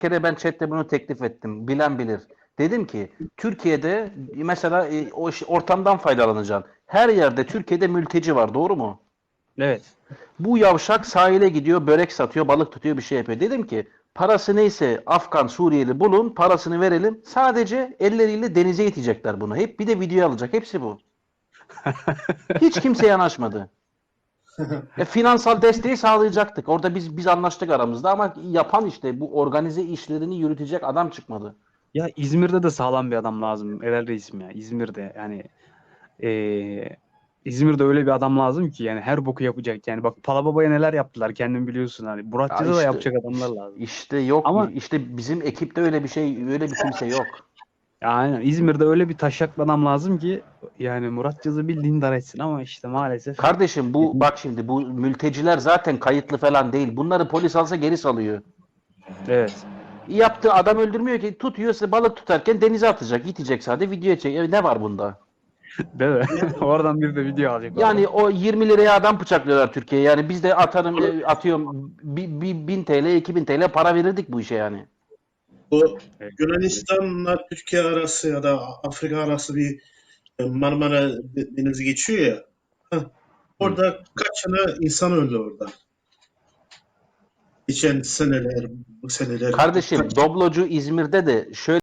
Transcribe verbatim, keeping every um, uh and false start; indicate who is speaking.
Speaker 1: kere ben chatte bunu teklif ettim. Bilen bilir. Dedim ki Türkiye'de mesela e, o iş- ortamdan faydalanacaksın. Her yerde Türkiye'de mülteci var, doğru mu?
Speaker 2: Evet.
Speaker 1: Bu yavşak sahile gidiyor, börek satıyor, balık tutuyor, bir şey yapıyor. Dedim ki parası neyse Afgan, Suriyeli bulun, parasını verelim. Sadece elleriyle denize itecekler bunu. Hep bir de video alacak. Hepsi bu. Hiç kimse yanaşmadı. E, finansal desteği sağlayacaktık. Orada biz biz anlaştık aramızda ama yapan işte bu organize işlerini yürütecek adam çıkmadı.
Speaker 2: Ya İzmir'de de sağlam bir adam lazım. Helal reisim ya. İzmir'de yani eee, İzmir'de öyle bir adam lazım ki yani her boku yapacak. Yani bak Palababa'ya neler yaptılar kendin biliyorsun hani.
Speaker 1: Ya
Speaker 2: Muratçı'da da
Speaker 1: işte,
Speaker 2: yapacak adamlar
Speaker 1: işte
Speaker 2: lazım.
Speaker 1: işte yok,
Speaker 2: Ama
Speaker 1: işte bizim ekipte öyle bir şey, öyle bir kimse yok.
Speaker 2: ya aynen İzmir'de öyle bir taşaklı adam lazım ki yani Muratçı'da bildiğin dar etsin ama işte maalesef
Speaker 1: Kardeşim bu bak şimdi bu mülteciler zaten kayıtlı falan değil. Bunları polis alsa geri salıyor.
Speaker 2: evet.
Speaker 1: Yaptığı adam öldürmüyor ki, tutuyor size balık tutarken denize atacak, gidecek sadece video çek. E, ne var bunda?
Speaker 2: Değil mi? Oradan bir de video alacak
Speaker 1: Yani
Speaker 2: oradan.
Speaker 1: o yirmi liraya adam bıçaklıyorlar Türkiye'ye. Yani biz de atarım e, atıyorum bir, bir bin T L, iki bin T L para verirdik bu işe yani.
Speaker 3: Bu
Speaker 2: Evet.
Speaker 3: Yunanistan'la Türkiye arası ya da Afrika arası bir e, Marmara Denizi geçiyor ya. Heh,
Speaker 1: Hı.
Speaker 3: orada kaç tane insan öldü orada. Geçen seneler, bu seneler
Speaker 1: Kardeşim
Speaker 3: kaç
Speaker 1: Doblocu İzmir'de de şöyle